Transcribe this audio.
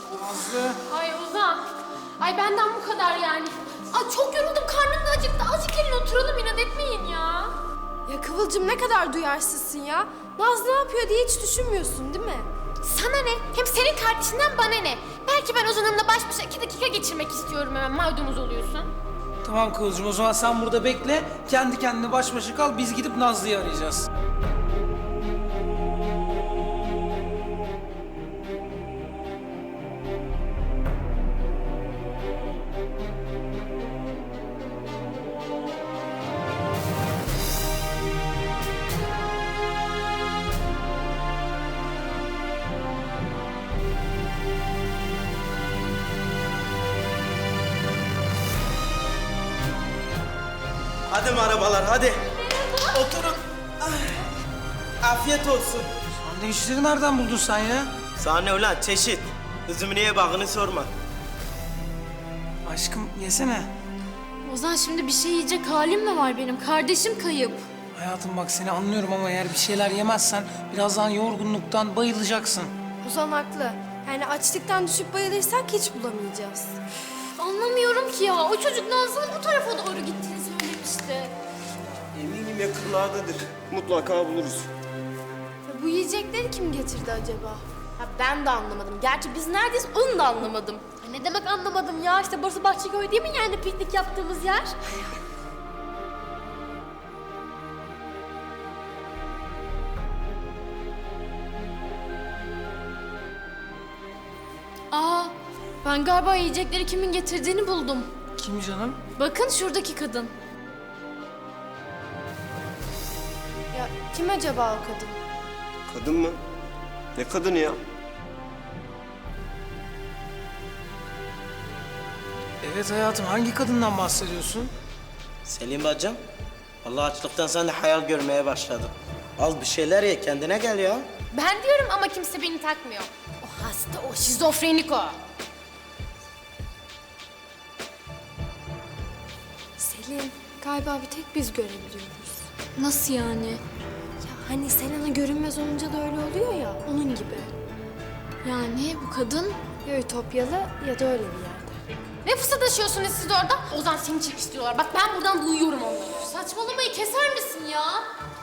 Nazlı. Ay Ozan. Ay benden bu kadar yani. Ay çok yoruldum, karnım da acıktı. Azıcık gelin oturalım, inat etmeyin ya. Ya Kıvılcım ne kadar duyarsızsın ya. Naz ne yapıyor diye hiç düşünmüyorsun değil mi? Sana ne? Hem senin kardeşinden bana ne? Belki ben Ozan'ımla baş başa 2 dakika geçirmek istiyorum, hemen maydanoz oluyorsun. Tamam Kıvılcım, o zaman sen burada bekle. Kendi kendine baş başa kal, biz gidip Nazlı'yı arayacağız. Hadi arabalar hadi. Oturun. Afiyet olsun. Sandviçleri nereden buldun sen ya? Sana ne ulan çeşit. Üzümün niye bağını sorma. Aşkım yesene. Ozan şimdi bir şey yiyecek halim mi var benim? Kardeşim kayıp. Hayatım bak, seni anlıyorum ama eğer bir şeyler yemezsen birazdan yorgunluktan bayılacaksın. Ozan haklı. Yani açlıktan düşüp bayılırsak hiç bulamayacağız. Anlamıyorum ki ya. O çocuk Nazlı'nın bu tarafa doğru gittiğini söylemişti. Eminim yakınlardadır. Mutlaka buluruz. Ya bu yiyecekleri kim getirdi acaba? Ha, ben de anlamadım. Gerçi biz neredeyiz onu da anlamadım. Ya ne demek anlamadım ya? İşte burası Bahçeköy değil mi yani piknik yaptığımız yer? Aa, ben galiba yiyecekleri kimin getirdiğini buldum. Kim canım? Bakın şuradaki kadın. Ya kim acaba o kadın? Kadın mı? Ne kadını ya? Evet hayatım, hangi kadından bahsediyorsun? Selim bacım. Vallahi açlıktan sen de hayal görmeye başladın. Az bir şeyler ye kendine gel ya. Ben diyorum ama kimse beni takmıyor. O hasta, o şizofrenik o. Selin, galiba bir tek biz görebiliyoruz. Nasıl yani? Ya hani Selena görünmez olunca da öyle oluyor ya, onun gibi. Yani bu kadın... Ya Ütopyalı ya da öyle bir yerde. Ne fısıldaşıyorsunuz siz orada? Ozan seni çekiştiriyorlar. Bak ben buradan duyuyorum onları. Saçmalamayı keser misin ya?